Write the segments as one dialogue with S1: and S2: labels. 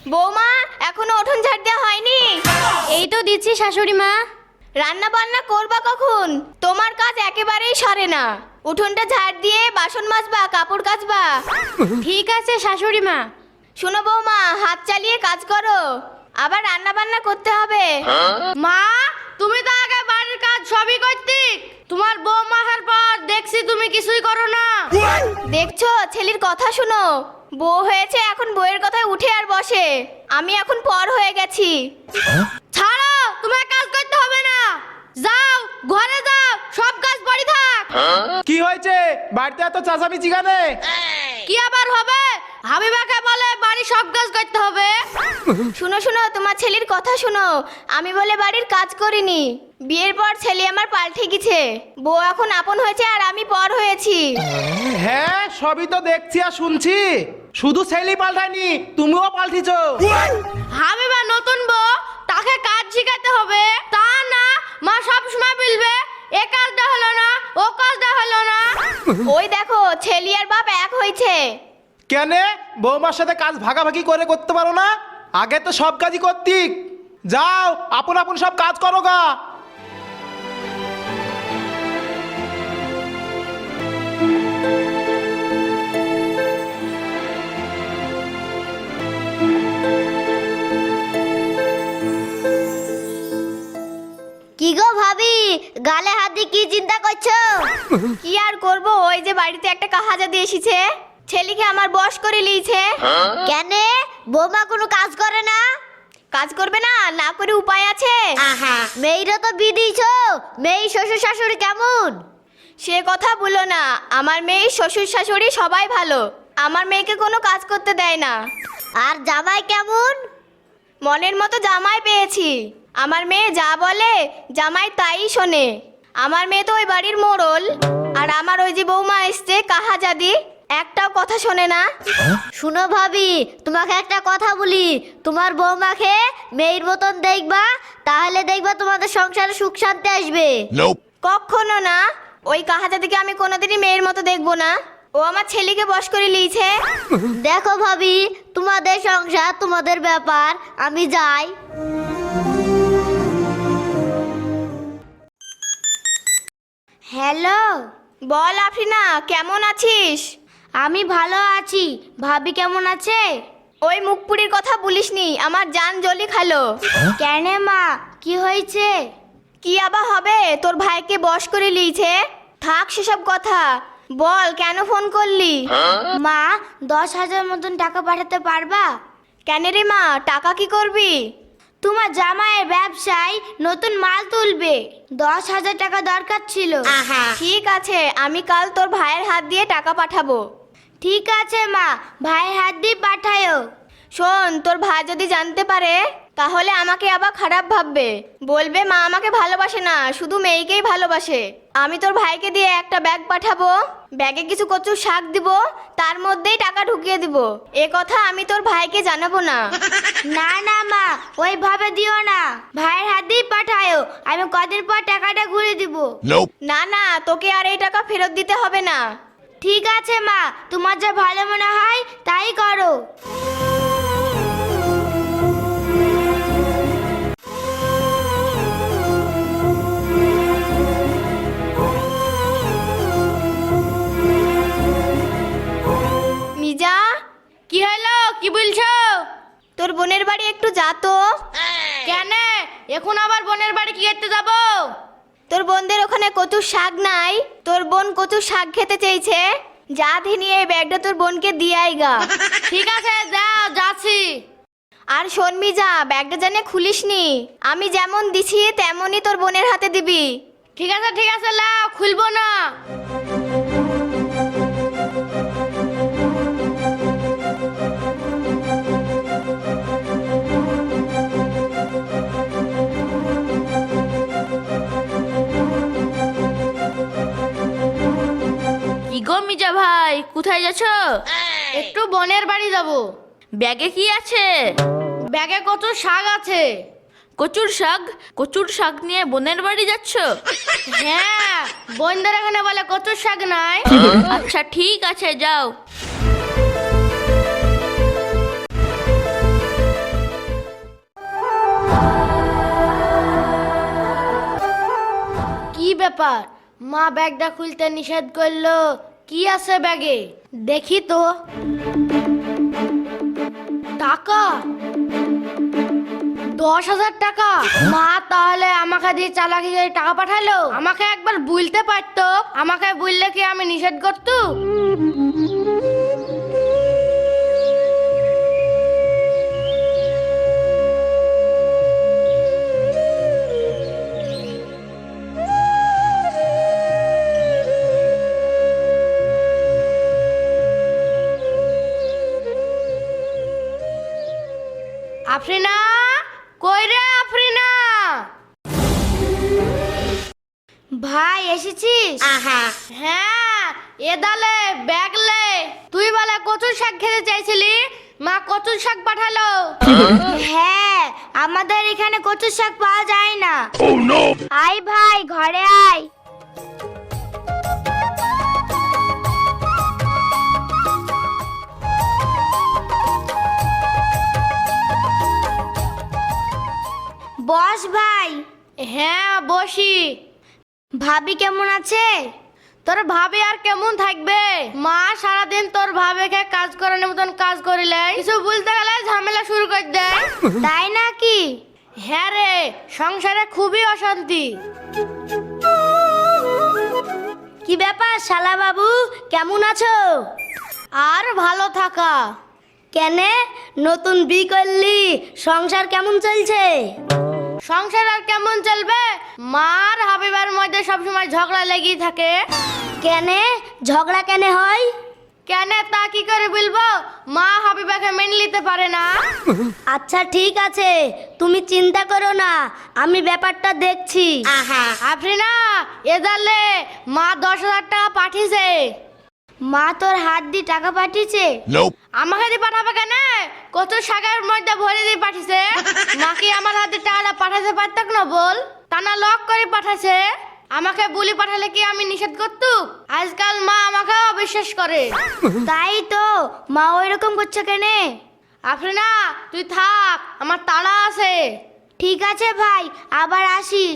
S1: বৌমা, এখনো উঠোন ঝাড় দেওয়া হয়নি?
S2: এই তো দিচ্ছি শাশুড়ি মা।
S1: রান্না বান্না করবা কখন? তোমার কাজ একেবারেই সরে না। উঠোনটা ঝাড় দিয়ে বাসন মাজবা, কাপড় কাচবা।
S2: ঠিক আছে শাশুড়ি মা।
S1: শোনো বৌমা, হাত চালিয়ে কাজ করো, আবার রান্না বান্না করতে হবে।
S2: মা, তুমি তো আগে বাড়ির কাজ সবই করতে, তোমার বৌমা আসার পর দেখছি তুমি কিছুই করো না।
S1: দেখছো, ছেলের কথা শুনো। বউ হয়েছে, এখন বউয়ের কথায় উঠে আর বসে। আমি এখন পর হয়ে গেছি।
S2: ছাড়ো, তোমার কাজ করতে হবে না। যাও ঘরে যাও, সব কাজ পড়ে থাক।
S3: কি হয়েছে? বাড়িতে এত চাচামিচি কেনে?
S2: কি আবার হবে? হাবিবাকে বলে বাড়ি সব কাজ করতে হবে।
S1: শুনো শুনো, তোমার ছেলের কথা শুনো। আমি বলে বাড়ির কাজ করিনি। বিয়ের পর ছেলে আমার পাল্টে গেছে। বউ এখন আপন হয়েছে আর আমি পর হয়েছি।
S3: হ্যাঁ, সবই তো দেখছি আর শুনছি। শুধু ছেলেই পাল্টায়নি, তুমিও পাল্টিছো।
S2: হাবিবা নতুন বউ, তাকে কাজ শিখাতে হবে। তা না মা সব সময় বলবে এ কাজটা হলো না, ও কাজটা হলো না।
S1: ওই দেখো, ছেলে আর বাপ এক হয়েছে।
S3: কেনে বৌমার সাথে কাজ ভাগাভাগি করে করতে পারো না? আগে তো সব কাজই করতি। যাও, আপন আপন সব কাজ করো গা।
S2: কি গো ভাবি, গালে হাত দিয়ে কি চিন্তা করছো?
S1: কি আর করব, ওই যে বাড়িতে একটা কাহাজা দিয়ে এসেছে, ছেলেকে আমার বশ করে লিয়েছে।
S2: কেন বৌমা কোনো কাজ করে না?
S1: কাজ করবে না, না করে উপায় আছে?
S2: মেয়েরা তো বিদিছো, মেয়ে শ্বশুর শাশুড়ি কেমন?
S1: সে কথা বলো না। আমার মেয়ে শ্বশুর শাশুড়ি সবাই ভালো। আমার মেয়েকে কোনো কাজ করতে দেয় না।
S2: আর জামাই কেমন?
S1: মনের মতো জামাই পেয়েছি। আমার মেয়ে যা বলে জামাই তাই শোনে। আমার মেয়ে তো ওই বাড়ির মোড়ল। আর আমার ওই যে বৌমা এসছে কাহাজাদি, একটাও কথা শোনে না।
S2: শুনো ভাবি, তোমাকে একটা কথা বলি, তোমার বৌমাকে মেয়ের মতন দেখবা, তাহলে দেখবা তোমাদের সংসারে সুখ শান্তি আসবে।
S1: কখনো না। ওই কাহাজাদিকে আমি কোনোদিনই মেয়ের মতো দেখবো না। ও আমার ছেলেকে বশ করে লিয়েছে।
S2: দেখো ভাবি, তোমাদের সংসার তোমাদের ব্যাপার, আমি যাই। হ্যালো,
S1: বল আফরিনা, কেমন আছিস?
S2: আমি ভালো আছি। ভাবি কেমন আছে?
S1: ওই মুখপুরির কথা বলিসনি, আমার জান জলি খালো।
S2: কেন মা, কি হয়েছে?
S1: কি আবার হবে, তোর ভাইকে বশ করে লিয়েছে। থাক সেসব কথা, বল কেন ফোন করলি?
S2: মা, 10,000 মতন টাকা পাঠাতে পারবা?
S1: কেন রে মা, টাকা কি করবি?
S2: তোমার জামাইয়ের ব্যবসায় নতুন মাল তুলবে, 10,000 টাকা দরকার ছিল।
S1: ঠিক আছে, আমি কাল তোর ভাইয়ের হাত দিয়ে টাকা পাঠাবো।
S2: ঠিক আছে মা, ভাইয়ের হাত দিয়ে পাঠায়ো।
S1: শোন, তোর ভাই যদি জানতে পারে তাহলে আমাকে আবার খারাপ ভাববে। বলবে মা আমাকে ভালোবাসে না, শুধু মেয়েকেই ভালোবাসে। আমি তোর ভাইকে দিয়ে একটা ব্যাগ পাঠাবো, ব্যাগে কিছু কচুর শাক দিব, তার মধ্যেই টাকা ঢুকিয়ে দিব। এ কথা আমি তোর ভাইকে জানাবো না।
S2: না না মা, ওইভাবে দিও না, ভাইয়ের হাত দিয়ে পাঠায়ো, আমি কদিন পর টাকাটা ঘুরে দিব।
S1: না না, তোকে আর এই টাকা ফেরত দিতে হবে না।
S2: ঠিক আছে মা, তোমার যা ভালো মনে হয় তাই করো।
S1: মিজা,
S2: কি হলো, কি বলছো?
S1: তোর বোনের বাড়ি একটু যা তো।
S2: কেন এখন আবার বোনের বাড়ি কি করতে যাব?
S1: তোর বোনদের ওখানে কচুর শাক নাই? তোর বোন কচুর শাক খেতে চেয়েছে। যা নিয়ে এই ব্যাগটা তোর বোনকে দিয়ে আইগা।
S2: ঠিক আছে, যাও, যাচ্ছি।
S1: আর শোন মিজা, ব্যাগটা জানে খুলিসনি। আমি যেমন দিছি তেমনই তোর বোনের হাতে দিবি।
S2: ঠিক আছে, লাও, খুলবো না। কি গো মিজা ভাই, কোথায় যাচ্ছ? একটু বোনের বাড়ি যাব।
S4: ব্যাগে কি আছে?
S2: ব্যাগে কত শাক আছে।
S4: কচুর শাক? কচুর শাক নিয়ে বোনের বাড়ি যাচ্ছ?
S2: হ্যাঁ, বোনদের এখানে বলে কচুর শাক নাই।
S4: আচ্ছা ঠিক আছে, যাও।
S2: কি ব্যাপার, মা ব্যাগটা খুলতে নিষেধ করলো? কি আছে ব্যাগে? দেখি তো। টাকা, 10,000 টাকা। মা তাহলে আমাকে দিয়ে চালাকি করে টাকা পাঠালো? আমাকে একবার বলতে পারতো, আমাকে বললে কি আমি নিষেধ করতো? আফরিনা, কই রে আফরিনা?
S1: ভাই এসেছিস?
S2: হ্যাঁ, এদালে ব্যাগ লে। তুই বলে কচুর শাক খেতে চাইছিলি, মা কচুর শাক পাঠালো।
S1: হ্যাঁ, আমাদের এখানে কচুর শাক পাওয়া যায় না। আয় ভাই, ঘরে আয়। বস ভাই।
S2: হ্যাঁ বসি।
S1: ভাবি কেমন আছে?
S2: তোর ভাবি আর কেমন থাকবে? মা সারাদিন তোর ভাবিকে কাজ করানোর মতন কাজ করিলে কিছু বলতে গেলে ঝামেলা শুরু করে দেয়।
S1: তাই নাকি?
S2: হ্যাঁ রে, সংসারে খুবই অশান্তি।
S1: কি ব্যাপার শালা বাবু, কেমন আছো?
S2: আর ভালো থাকা।
S1: কেনে নতুন বি করলি, সংসার কেমন চলছে?
S2: সংসার আর কেমন চলবে? মার হাবিবার মধ্যে সবসময় ঝগড়া লেগেই থাকে।
S1: কেনে ঝগড়া কেনে হয়?
S2: কেন তা কি করে বলবো, মা হাবিবাকে মেনে নিতে পারে না।
S1: আচ্ছা ঠিক আছে, তুমি চিন্তা করো না, আমি ব্যাপারটা দেখছি।
S2: আফরিনা, এদালে মা 10,000 টাকা পাঠিয়েছে।
S1: মা তোর হাত দিয়ে টাকা পাঠিয়েছে?
S2: আমাকে দিয়ে পাঠাবে কেন? কত শাকের মধ্যে ভরে দিয়ে পাঠিয়েছে। মা কি আমার হাতে টাকা পাঠাতে পারতাক না বল? তা না লক করে পাঠাছে। আমাকে বলি পাঠালে কি আমি নিষেধ করতো? আজকাল মা আমাকে অবিশ্বাস করে।
S1: তাই তো, মা ওইরকম করছে কেনে?
S2: আফরিনা তুই থাক, আমার তাড়া আছে।
S1: ঠিক আছে ভাই, আবার আসিস।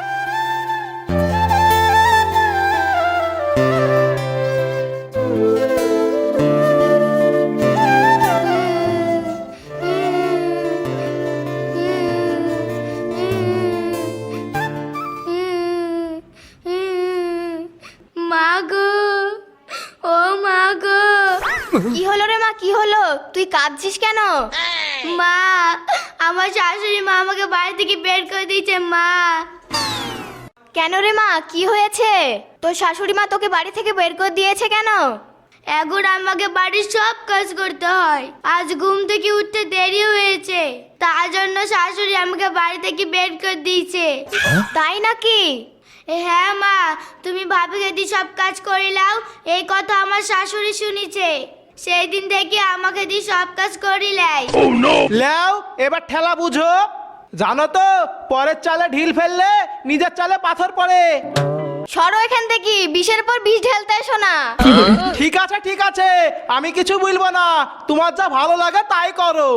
S1: কি হলো রে মা, কি হলো? তুই কাঁদছিস কেন? মা, আমার শাশুড়ি মা আমাকে বাড়ি থেকে বের করে দিয়েছে মা। কেন রে মা, কি হয়েছে? তোর শাশুড়ি মা তোকে বাড়ি থেকে বের করে দিয়েছে কেন? এখন আমাকে বাড়ির সব কাজ করতে হয়। আজ ঘুম থেকে উঠতে দেরি হয়েছে, তার জন্য শাশুড়ি আমাকে বাড়ি থেকে বের করে দিয়েছে। তাই নাকি? হ্যাঁ মা, তুমি ভাবিকে দিয়ে সব কাজ করিলাও, এই কথা আমার শাশুড়ি শুনেছে। সেই দিন থেকে আমাকে দিয়ে সব কাজ করিলাই।
S3: লেও এবার ঠেলা বুঝো। জানো তো, পরের চালে ঢিল ফেললে নিজের চালে পাথর পড়ে।
S1: সরো এখান থেকে, বিষের পর বিষ ঢেলতে এসো না।
S3: ঠিক আছে ঠিক আছে, আমি কিছু বলবো না, তোমার যা ভালো লাগে তাই করো।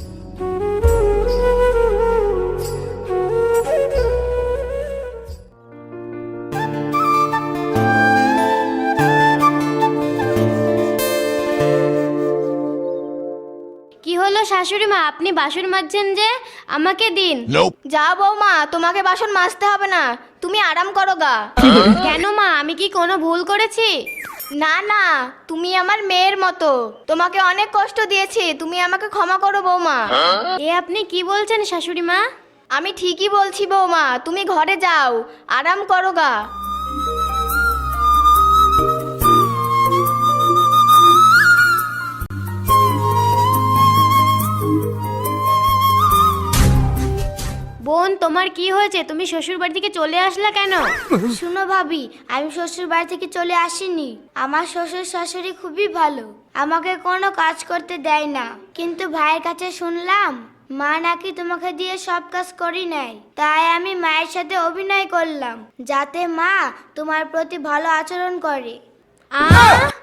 S2: কি হলো শাশুড়ি মা, আপনি বাসন মাজছেন যে? আমাকে দিন।
S1: যা বৌমা, তোমাকে বাসন মাজতে হবে না, তুমি আরাম করো গা।
S2: কেন মা, আমি কি কোনো ভুল করেছি?
S1: না না, তুমি আমার মেয়ের মতো, তোমাকে অনেক কষ্ট দিয়েছি, তুমি আমাকে ক্ষমা করো বৌমা।
S2: এ আপনি কি বলছেন শাশুড়ি মা?
S1: আমি ঠিকই বলছি বৌমা, তুমি ঘরে যাও, আরাম করো গা।
S2: বোন, তোমার কি হয়েছে? তুমি শ্বশুর বাড়ি থেকে চলে আসলা কেন?
S1: শুনো ভাবি, আমি শ্বশুর বাড়ি থেকে চলে আসিনি। আমার শ্বশুর শাশুড়ি খুবই ভালো, আমাকে কোনো কাজ করতে দেয় না। কিন্তু ভাইয়ের কাছে শুনলাম মা নাকি তোমাকে দিয়ে সব কাজ করি নেয়। তাই আমি মায়ের সাথে অভিনয় করলাম, যাতে মা তোমার প্রতি ভালো আচরণ করে।